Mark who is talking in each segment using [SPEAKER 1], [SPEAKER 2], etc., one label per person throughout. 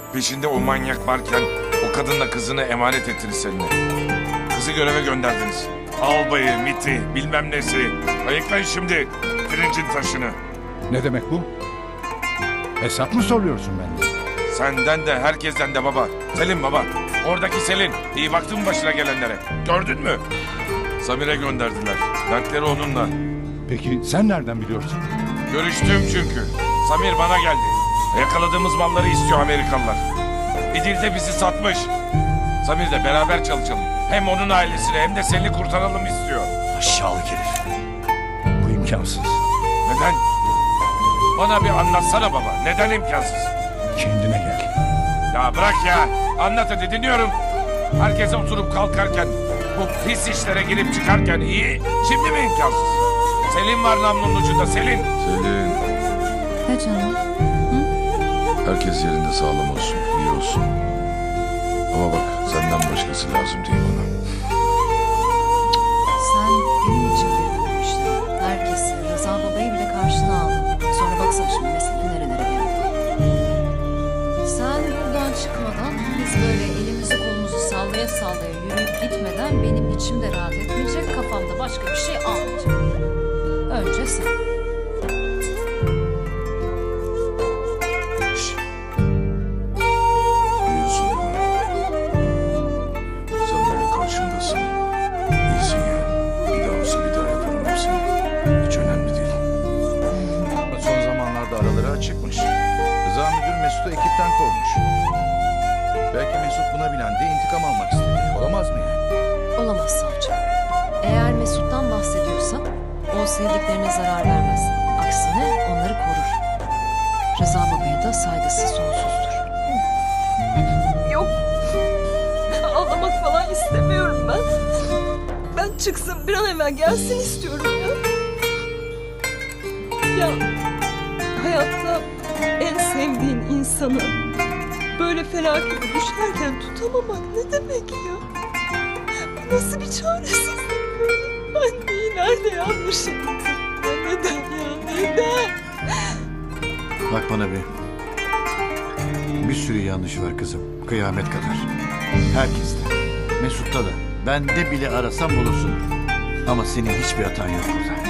[SPEAKER 1] Peşinde o manyak varken o kadınla kızını emanet ettiniz seninle. Kızı göreve gönderdiniz. Albayı, MİT'i, bilmem nesi. Ayıklayın şimdi pirincin taşını.
[SPEAKER 2] Ne demek bu? Hesap mı soruyorsun benden?
[SPEAKER 1] Senden de herkesten de baba. Selin baba. Oradaki Selin. İyi baktın mı başına gelenlere? Gördün mü? Samir'e gönderdiler. Dertleri onunla.
[SPEAKER 2] Peki sen nereden biliyorsun?
[SPEAKER 1] Görüştüm çünkü. Samir bana geldi. Yakaladığımız malları istiyor Amerikalılar. İdil de bizi satmış. Samir'le beraber çalışalım. Hem onun ailesini hem de seni kurtaralım istiyor.
[SPEAKER 2] Aşağılık herif. Bu imkansız.
[SPEAKER 1] Neden? Bana bir anlatsana baba. Neden imkansız?
[SPEAKER 2] Kendine gel.
[SPEAKER 1] Ya bırak ya. Anlat hadi dinliyorum. Herkese oturup kalkarken, bu pis işlere girip çıkarken iyi. Şimdi mi imkansız? Selin var namlunun ucunda Selin. Selin.
[SPEAKER 3] Ne canım?
[SPEAKER 1] Herkes yerinde sağlam olsun, iyi olsun. Ama bak senden başkası lazım değil bana.
[SPEAKER 3] Sen benim için girdin bu işlere. Herkesi, Rıza babayı bile karşına aldın. Sonra baksana şimdi mesele nerelere geldi. Sen buradan çıkmadan biz böyle elimizi kolumuzu sallaya sallaya yürüyüp gitmeden benim içim de rahat etmeyecek, kafamda başka bir şey almayacak. Önce sen.
[SPEAKER 1] Biliyorsun değil mi? Sen böyle karşımdasın. İyisin ya. Bir daha olsa bir daha yaparım hepsini. Hiç önemli değil.
[SPEAKER 4] Son zamanlarda araları açıkmış. Rıza müdür Mesut'u ekipten kovmuş. Belki Mesut buna bilendi, intikam almak istedi. Olamaz mı yani?
[SPEAKER 3] Olamaz savcı. Eğer Mesut'tan bahsediyorsak o sevdiklerine zarar vermez. Aksine onları korur. Rıza babaya da saygısı sonsuzdur.
[SPEAKER 5] Yok. Ağlamak falan istemiyorum ben. Ben çıksın bir an evvel gelsin istiyorum ya. Ya hayatta en sevdiğin insanı böyle felakete düşerken tutamamak ne demek ya? Bu nasıl bir çaresizlik böyle? Ben neyi nerede yanlış yaptım? Ya neden ya neden?
[SPEAKER 6] Bak bana bir. Bir sürü yanlış var kızım. Kıyamet kadar. Herkeste. Mesut'ta da. Bende bile arasam bulursun. Ama senin hiçbir hatan yok burada.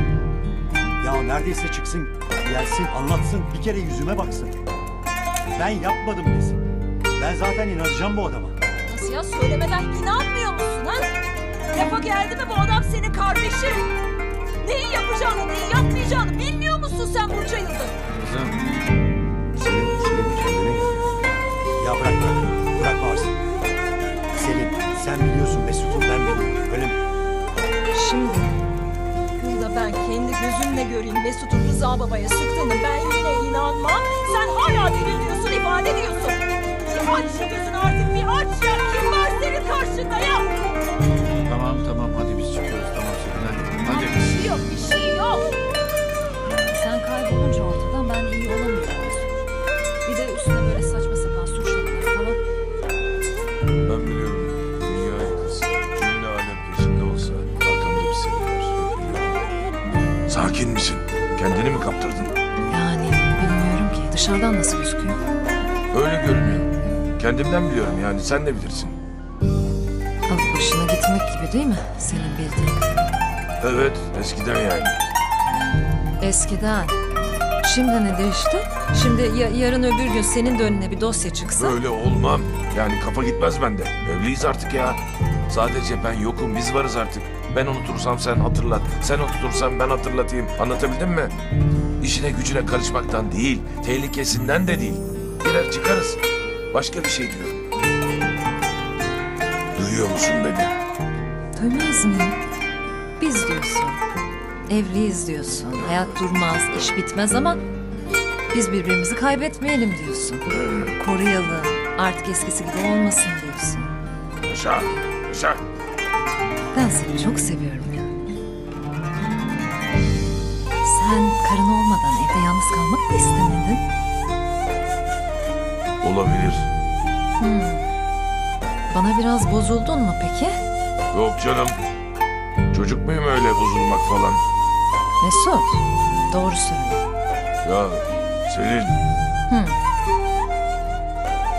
[SPEAKER 7] Ya neredeyse çıksın, gelsin, anlatsın, bir kere yüzüme baksın. Ben yapmadım desin. Ben zaten inanacağım bu adama.
[SPEAKER 5] Nasıl ya söylemeden inanmıyor musun ha? Lafa geldi mi bu adam senin kardeşin? Neyi yapacağını neyi yapmayacağını bilmiyor musun sen bunca yıldır?
[SPEAKER 6] Kızım. Senin kendine gel.
[SPEAKER 7] Ya bırak bağırsın. Selin, sen biliyorsun Mesut'u, ben biliyorum, öyle mi?
[SPEAKER 5] Şimdi burada ben kendi gözümle göreyim Mesut'un Rıza babaya sıktığını ben yine inanmam. Sen hala deliriyorsun, ifade ediyorsun. Bir aç şu gözünü artık bir aç ya. Kim var senin karşında ya?
[SPEAKER 6] Tamam hadi biz çıkıyoruz. Tamam Selin hadi.
[SPEAKER 5] Bir şey yok, bir şey yok.
[SPEAKER 3] Sen kaybolunca ortadan ben iyi olamıyorum. Bir de üstüne böyle saçma sapan suçlamalar falan.
[SPEAKER 1] Ben biliyorum. Dünya yıkılsın. Cümle alem peşinde olsa arkamda bir Selin var. Biliyorum. Sakin misin? Kendini mi kaptırdın?
[SPEAKER 3] Yani bilmiyorum ki dışarıdan nasıl gözüküyor.
[SPEAKER 1] Öyle görünüyor. Kendimden biliyorum yani sen de bilirsin.
[SPEAKER 3] Alıp başına gitmek gibi değil mi senin bildiğin?
[SPEAKER 1] Evet eskiden yani.
[SPEAKER 3] Eskiden. Şimdi ne değişti? Şimdi yarın öbür gün senin de önüne bir dosya çıksa.
[SPEAKER 1] Böyle olmam. Yani kafa gitmez bende. Evliyiz artık ya. Sadece ben yokum biz varız artık. Ben unutursam sen hatırlat. Sen unutursan ben hatırlatayım. Anlatabildim mi? İşine gücüne karışmaktan değil. Tehlikesinden de değil. Girer çıkarız. Başka bir şey diyorum. Duyuyor musun beni?
[SPEAKER 3] Duymaz mıyım? Biz diyorsun. Evliyiz diyorsun. Hayat durmaz, iş bitmez ama biz birbirimizi kaybetmeyelim diyorsun. Koruyalım. Artık eskisi gibi olmasın diyorsun.
[SPEAKER 1] Yaşa. Yaşa.
[SPEAKER 3] Ben seni çok seviyorum ya. Sen karın olmadan evde yalnız kalmak mı istemedin?
[SPEAKER 1] Olabilir.
[SPEAKER 3] Bana biraz bozuldun mu peki?
[SPEAKER 1] Yok canım. Çocuk muyum öyle bozulmak falan?
[SPEAKER 3] Mesut, doğru söyle.
[SPEAKER 1] Ya Selin.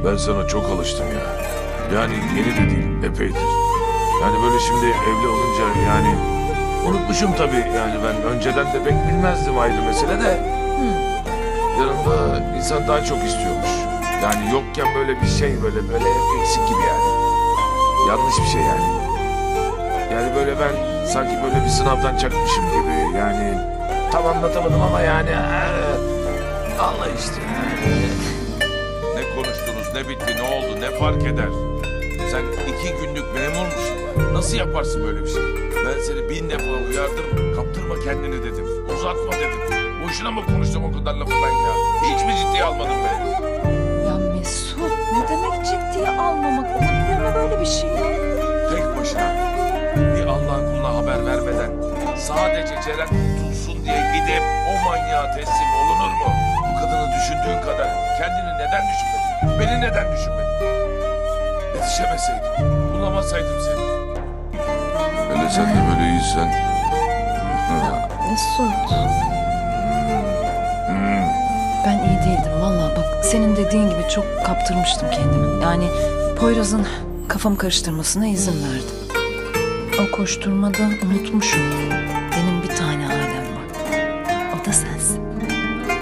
[SPEAKER 1] Ben sana çok alıştım ya. Yani yeni de değil, epeydir. Yani böyle şimdi evli olunca yani... Unutmuşum tabii yani ben önceden de pek bilmezdim ayrı mesele de. Yanımda insan daha çok istiyormuş. Yani yokken böyle bir şey böyle eksik gibi yani. Yanlış bir şey yani. Yani böyle ben sanki böyle bir sınavdan çakmışım gibi yani. Tam anlatamadım ama yani Allah işte yani. Ne konuştunuz, ne bitti, ne oldu, ne fark eder? Sen 2 günlük memur musun? Nasıl yaparsın böyle bir şey? Ben seni 1000 defa uyardım. Kaptırma kendini dedim. Uzatma dedim. Boşuna mı konuştum o kadar lafı ben ya? Hiç mi ciddiye almadın beni?
[SPEAKER 5] Ya Mesut ne demek ciddiye almamak? Olabilir mi böyle bir şey ya?
[SPEAKER 1] Tek başına bir Allah'ın kuluna haber vermeden sadece Ceren kurtulsun diye gidip o manyağa teslim olunur mu? Bu kadını düşündüğün kadar kendini neden düşünmedin? Beni neden düşünmedin? Yetişemeseydim, bulamasaydım seni. Hele sen de böyle iyisen.
[SPEAKER 3] Mesut. Ben iyi değildim vallahi bak senin dediğin gibi çok kaptırmıştım kendimi. Yani Poyraz'ın kafamı karıştırmasına izin verdim. O koşturmada unutmuşum. Benim bir tane